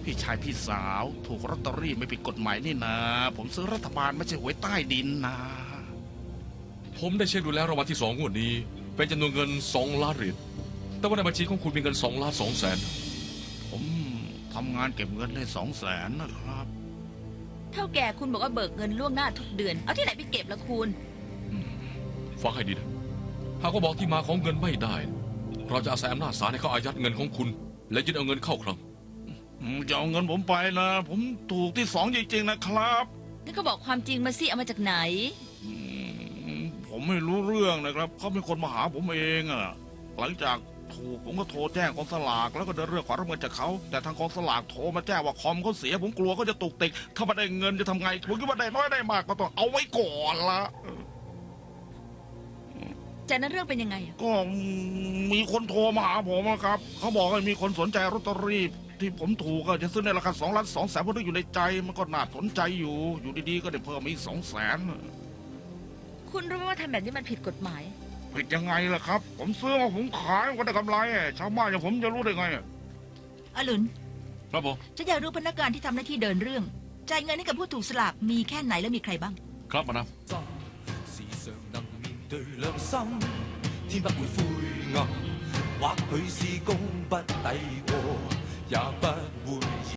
พี่ชายพี่สาวถูกลอตเตอรี่ไม่ผิดกฎหมายนี่นะผมซื้อรัฐบาลไม่ใช่หวยใต้ดินนะผมได้เช็คดูแล้วรางวัลที่2งวดนี้เป็นจำนวนเงิน2 ล้านเหรียญแต่ว่าในบัญชีของคุณมีเงิน2,200,000 ผมทำงานเก็บเงินได้200,000นะครับเท่าแก่คุณบอกว่าเบิกเงินล่วงหน้าทุกเดือนเอาที่ไหนไปเก็บละคุณฟังให้ดีนะหากว่าบอกที่มาของเงินไม่ได้ เราจะอาศัยอำนาจศาลให้เขาอายัดเงินของคุณ และยึดเอาเงินเข้าคลังจะเอาเงินผมไปนะผมถูกที่2จริงๆนะครับงั้นก็บอกความจริงมาสิเอามาจากไหนผมไม่รู้เรื่องนะครับเขาเป็นคนมาหาผมเองอะหลังจากถูกผมก็โทรแจ้งกองสลากแล้วก็เดินเรื่องขอรับเงินจากเขาแต่ทางกองสลากโทรมาแจ้งว่าคอมเขาเสียผมกลัวเขาจะตุกติกถ้าไม่ได้เงินจะทำไงผมคิดว่าได้น้อยได้มากก็ต้องเอาไว้ก่อนละจากนั้นเรื่องเป็นยังไงอะก็มีคนโทรมาหาผมนะครับเขาบอกว่ามีคนสนใจลอตเตอรี่ที่ผมถูกก็จะซื้อในราคา2,200,000เพราะนึกอยู่ในใจมันก็น่าสนใจอยู่ดีๆก็ได้เพิ่มมาอีก200,000 คุณรู้ไหมว่าทำแบบนี้มันผิดกฎหมายผิดยังไงล่ะครับ ผมซื้อมาผมขายก็ได้กำไรชาวบ้านอย่างผมจะรู้ได้ไงอรุณครับผมฉันอยากรู้พนักงานที่ทำหน้าที่เดินเรื่องจ่ายเงินให้กับผู้ถูกสลากมีแค่ไหนและมีใครบ้างครับมานะ時常能面對良心，天不會灰暗，或許是功不抵過，也不會。